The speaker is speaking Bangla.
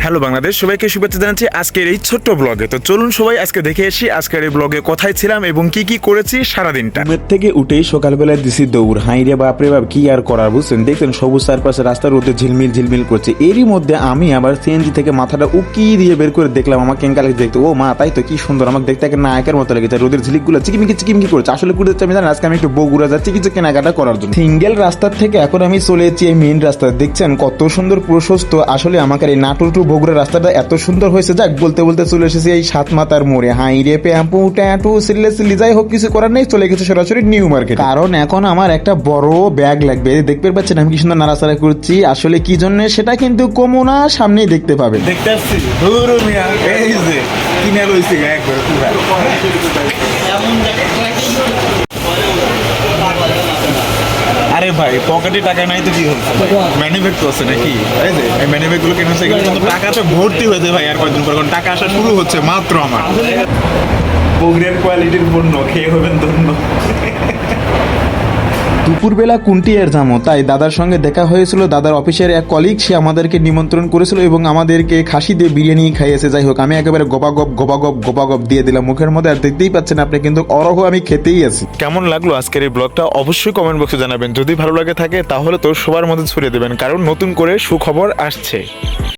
হ্যালো বাংলাদেশ, সবাইকে শুভেচ্ছা জানাচ্ছি আজকের এই ছোট্ট ব্লগে। তো চলুন সবাই আজকে দেখে আসি আজকের এই ব্লগে কোথায় ছিলাম এবং কি কি করেছি সারাদিনটা। ঘুমের থেকে উঠেই সকালবেলা দিছি দৌড়, হাই রে বাপরে বাপ কি আর করার, বুঝছেন? দেখছেন সবুজ চারপাশে রাস্তার রোদে ঝিলমিল ঝিলমিল করছে। এরই মধ্যে আমি আবার সিএনজি থেকে মাথাটা উকি দিয়ে বের করে দেখলাম আমার কেঙ্কালে দেখতে, ও মা তাই তো কি সুন্দর, আমাকে দেখতে একটা নায়কের মতো লেগেছে। রোদের ঝিলিকগুলো চিকিমিকি চিকিমিকি করছে। আসলে ঘুরতে যাচ্ছি আমি, জানেন আজকে আমি একটু বগুড়া যাচ্ছি কিছু কেনাকাটা করার জন্য। সিঙ্গেল রাস্তার থেকে এখন আমি চলে এসেছি এই মেইন রাস্তা। দেখছেন কত সুন্দর প্রশস্ত। আসলে আমাকে এই নাটোর টু বগুড়া রাস্তাটা এত সুন্দর হয়েছে, যাক বলতে বলতে চলে এসেছি এই সাত মাতার মোড়ে। হাই রে প্যাম্পু ট্যাটু সিল্লে সিল্লি যাই হোক, কিছু করার নেই, চলে গেছে সরাসরি নিউ মার্কেট। কারণ এখন আমার একটা বড় ব্যাগ লাগবে। দেখতে পাচ্ছেন আমি কি সুন্দর নাড়াচাড়া করছি। আসলে কি জন্য সেটা কিন্তু কমো না, সামনেই দেখতে পাবে। দেখতে আসছি ধুরু মিয়া, এই যে কিনে লইছি একবার পুরা। আরে ভাই পকেটে টাকা নাই তো কি হচ্ছে, ম্যানি ব্যাগ তো আছে নাকি? এই যে এই ম্যানি ব্যাগগুলো কেন হচ্ছে, এগুলো কিন্তু টাকাটা ভর্তি হয়েছে ভাই। আর কয়েকদিন পর টাকা আসা শুরু হচ্ছে মাত্র। আমার বগুড়ার কোয়ালিটির পণ্য খেয়ে হবেন ধন্য। দুপুরবেলা কুন্টিয়ার যাবো, তাই দাদার সঙ্গে দেখা হয়েছিল। দাদার অফিসের এক কলিগ, সে আমাদেরকে নিমন্ত্রণ করেছিল এবং আমাদেরকে খাসি দিয়ে বিরিয়ানি খাইয়েছে। যাই হোক, আমি একেবারে গবাগপ দিয়ে দিলাম মুখের মধ্যে। আর দেখতেই পাচ্ছেন আপনি, কিন্তু অরহ আমি খেতেই আছি। কেমন লাগলো আজকের এই ব্লগটা অবশ্যই কমেন্ট বক্সে জানাবেন। যদি ভালো লাগে থাকে তাহলে তো সবার মধ্যে ছড়িয়ে দেবেন, কারণ নতুন করে সুখবর আসছে।